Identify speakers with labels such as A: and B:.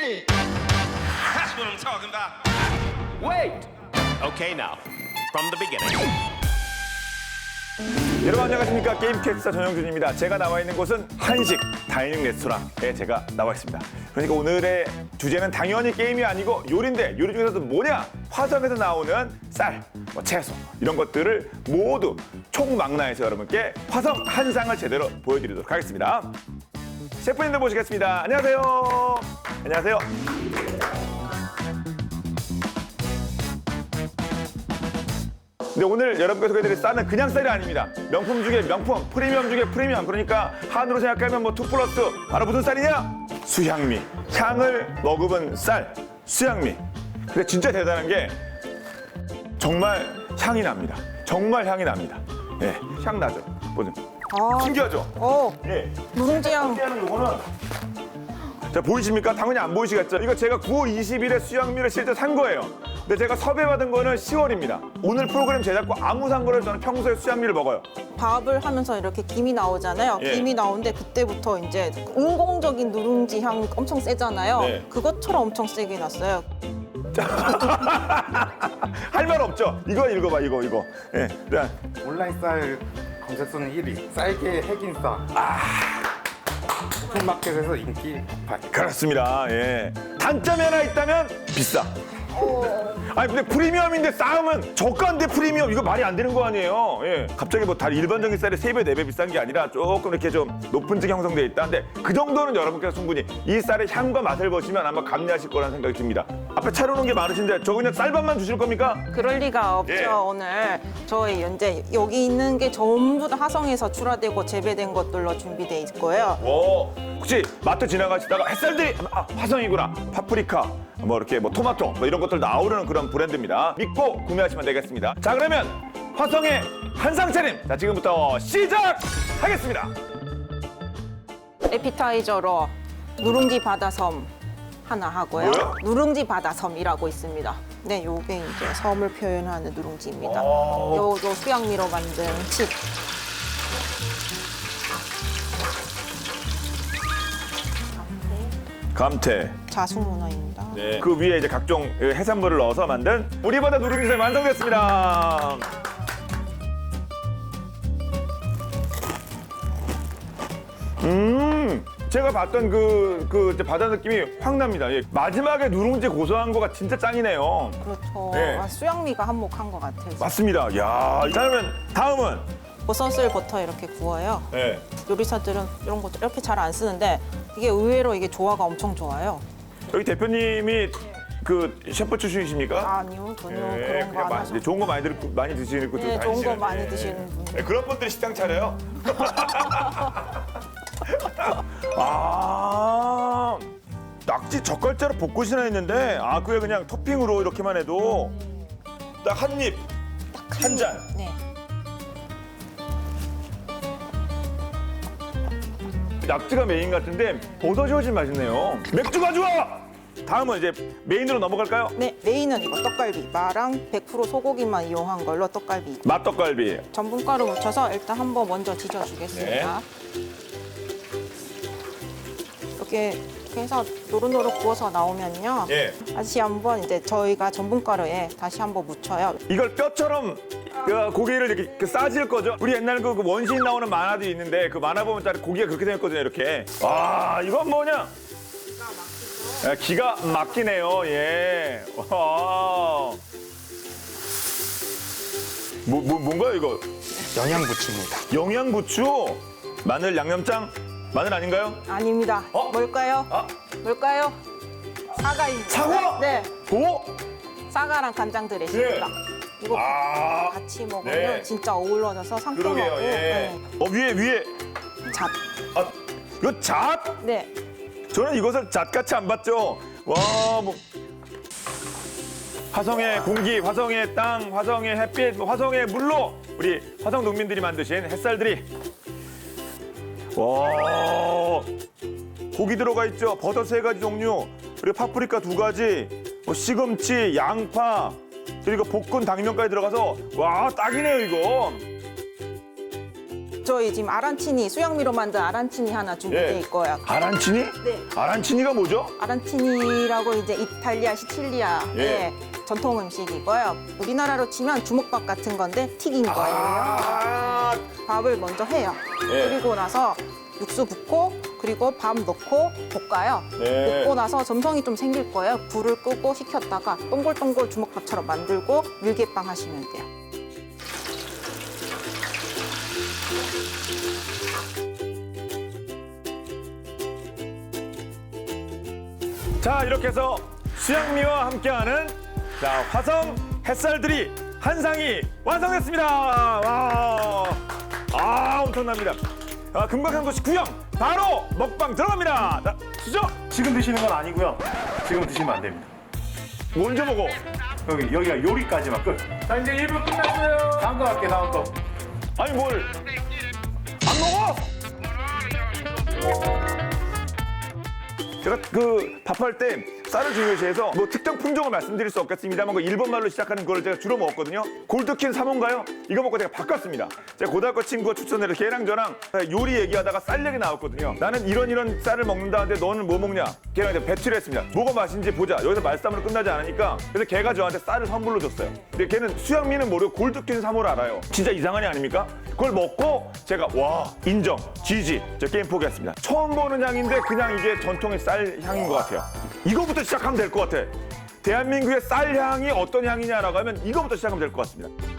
A: me.
B: That's what I'm talking about.
A: Wait.
C: Okay, now, from the beginning.
D: 여러분 안녕하십니까. 게임캐스터 전영준입니다. 제가 나와 있는 곳은 한식 다이닝 레스토랑에 제가 나와 있습니다. 그러니까 오늘의 주제는 당연히 게임이 아니고 요리인데 요리 중에서도 뭐냐? 화성에서 나오는 쌀, 채소 이런 것들을 모두 총망라해서 여러분께 화성 한상을 제대로 보여드리도록 하겠습니다. 셰프님들 모시겠습니다. 안녕하세요. 안녕하세요. 근데 오늘 여러분께 소개해드릴 쌀은 그냥 쌀이 아닙니다. 명품 중에 명품, 프리미엄 중에 프리미엄. 그러니까 한으로 생각하면 뭐 2 플러스. 바로 무슨 쌀이냐? 수향미. 향을 머금은 쌀, 수향미. 근데 진짜 대단한 게 정말 향이 납니다. 정말 향이 납니다. 예, 향 나죠? 보세요. 신기하죠? 예.
E: 누룽지향.
D: 하는 요거는 자, 보이십니까? 당연히 안 보이시겠죠? 이거 제가 9월 20일에 수양미를 실제 산 거예요. 근데 제가 섭외받은 거는 10월입니다. 오늘 프로그램 제작과 아무 상관없이 저는 평소에 수양미를 먹어요.
E: 밥을 하면서 이렇게 김이 나오잖아요.
D: 예.
E: 김이 나오는데 그때부터 이제 인공적인 누룽지 향 엄청 세잖아요.
D: 네.
E: 그것처럼 엄청 세게 났어요.
D: 할 말 없죠? 이거 읽어봐, 이거. 예. 자,
F: 온라인 쌀 검색수는 1위. 쌀계 핵인싸. 오픈마켓에서 인기 폭발.
D: 그렇습니다. 예. 단점이 하나 있다면 비싸. 아니 근데 프리미엄인데 싸움은 저가인데 프리미엄 이거 말이 안 되는 거 아니에요. 예. 갑자기 뭐 다른 일반적인 쌀이 3배, 4배 비싼 게 아니라 조금 이렇게 좀 높은 층이 형성돼 있다. 근데 그 정도는 여러분께서 충분히 이 쌀의 향과 맛을 보시면 아마 감내하실 거라는 생각이 듭니다. 앞에 차려놓은 게 많으신데 저 그냥 쌀밥만 주실 겁니까?
E: 그럴 리가 없죠.
D: 예.
E: 오늘 저희 현재 여기 있는 게 전부 다 화성에서 출하되고 재배된 것들로 준비돼 있고요.
D: 오, 혹시 마트 지나가시다가 햇살들이 화성이구나. 파프리카, 뭐 이렇게 뭐 토마토 뭐 이런 것들 나오는 그런 브랜드입니다. 믿고 구매하시면 되겠습니다. 자, 그러면 화성의 한상 차림. 자, 지금부터 시작하겠습니다.
E: 에피타이저로 누룽지 바다섬 하나 하고요.
D: 뭐요?
E: 누룽지 바다섬이라고 있습니다. 네, 요게 이제 섬을 표현하는 누룽지입니다. 요 수양미로 만든 칩.
D: 감태.
E: 자수문어입니다.
D: 네. 그 위에 이제 각종 해산물을 넣어서 만든 우리바다 누룽지가 완성됐습니다. 제가 봤던 그 이제 바다 느낌이 확 납니다. 예. 마지막에 누룽지 고소한 거가 진짜 짱이네요.
E: 그렇죠.
D: 네.
E: 수양미가 한몫한 것 같아요.
D: 맞습니다. 야, 다음은
E: 버섯을 버터에 이렇게 구워요.
D: 네.
E: 요리사들은 이런 것도 이렇게 잘 안 쓰는데 이게 의외로 이게 조화가 엄청 좋아요.
D: 여기 대표님이 그 셰프 출신이십니까?
E: 아니요, 전혀
D: 예,
E: 그런 거 안
D: 그냥
E: 하죠.
D: 좋은 거 많이 드시는 분들
E: 네, 좋은 거
D: 다니시는,
E: 많이
D: 예.
E: 드시는 분.
D: 네, 그런 분들이 식당 차려요. 아, 낙지 젓갈자로 볶으시나 했는데 그게 그냥 토핑으로 이렇게만 해도 딱 한 입, 한 잔.
E: 네.
D: 낙지가 메인 같은데 버섯이 훨씬 맛있네요. 맥주가 좋아! 다음은 이제 메인으로 넘어갈까요?
E: 네, 메인은 이거 떡갈비. 마랑 100% 소고기만 이용한 걸로 떡갈비.
D: 맛떡갈비.
E: 전분가루 묻혀서 일단 한번 먼저 지져주겠습니다.
D: 네.
E: 이렇게 해서 노릇노릇 구워서 나오면요.
D: 예.
E: 다시 한번 이제 저희가 전분가루에 다시 한번 묻혀요.
D: 이걸 뼈처럼 그 고기를 이렇게 싸질 거죠. 우리 옛날 그 원신 나오는 만화도 있는데 그 만화 보면 딱 고기가 그렇게 생겼거든요. 이렇게. 이건 뭐냐? 기가 막히네요. 예. 와. 뭔가요 이거?
F: 영양부추입니다.
D: 영양부추, 마늘 양념장, 마늘 아닌가요?
E: 아닙니다. 뭘까요? 뭘까요? 사과입니다.
D: 사과?
E: 네,
D: 오?
E: 사과랑 간장 드레싱입니다. 이거 같이 먹으면
D: 네.
E: 진짜 어우러져서 상큼하고.
D: 그러게요. 예. 위에.
E: 잡.
D: 이거 잣?
E: 네.
D: 저는 이것을 잣같이 안 봤죠. 와, 뭐. 화성의 공기, 화성의 땅, 화성의 햇빛, 화성의 물로 우리 화성 농민들이 만드신 햇살들이. 와, 고기 들어가 있죠. 버섯 3가지 종류, 그리고 파프리카 2가지, 뭐 시금치, 양파, 그리고 볶은 당면까지 들어가서 와, 딱이네요, 이거.
E: 저희 지금 아란치니, 수양미로 만든 아란치니 하나 준비되어
D: 예.
E: 있고요.
D: 아란치니?
E: 네.
D: 아란치니가 뭐죠?
E: 아란치니라고 이제 이탈리아, 시칠리아의
D: 예.
E: 전통 음식이고요. 우리나라로 치면 주먹밥 같은 건데 튀긴 거예요.
D: 아,
E: 밥을 먼저 해요.
D: 예.
E: 그리고 나서 육수 붓고 그리고 밥 넣고 볶아요.
D: 네.
E: 볶고 나서 점성이 좀 생길 거예요. 불을 끄고 식혔다가 동글동글 주먹밥처럼 만들고 밀개빵 하시면 돼요.
D: 자, 이렇게 해서 수양미와 함께하는 자, 화성 햇살들이 한 상이 완성됐습니다. 와, 엄청납니다. 금강산 도시 구경 바로 먹방 들어갑니다. 자, 수저
A: 지금 드시는 건 아니고요. 지금 드시면 안 됩니다.
D: 먼저 먹어.
A: 여기가 요리까지만 끝. 자, 이제 1분 끝났어요. 다음 거 할게요, 다음 거.
D: 아니 뭘 안 먹어? 제가 그 밥할 때 쌀을 중요시해서 뭐 특정 품종을 말씀드릴 수 없겠습니다만 그 일본 말로 시작하는 걸 제가 주로 먹었거든요. 골드킨 3호인가요? 이거 먹고 제가 바꿨습니다. 제가 고등학교 친구가 추천해서 걔랑 저랑 요리 얘기하다가 쌀 얘기 나왔거든요. 나는 이런 쌀을 먹는다는데 너는 뭐 먹냐? 걔랑 이제 배틀을 했습니다. 뭐가 맛있는지 보자. 여기서 말싸움으로 끝나지 않으니까 그래서 걔가 저한테 쌀을 선물로 줬어요. 근데 걔는 수양미는 모르고 골드킨 3호를 알아요. 진짜 이상한 애 아닙니까? 그걸 먹고 제가 와 인정 GG 저 게임 포기했습니다. 처음 보는 향인데 그냥 이게 전통의 쌀 향인 것 같아요. 이거부터 시작하면 될 것 같아. 대한민국의 쌀 향이 어떤 향이냐라고 하면 이거부터 시작하면 될 것 같습니다.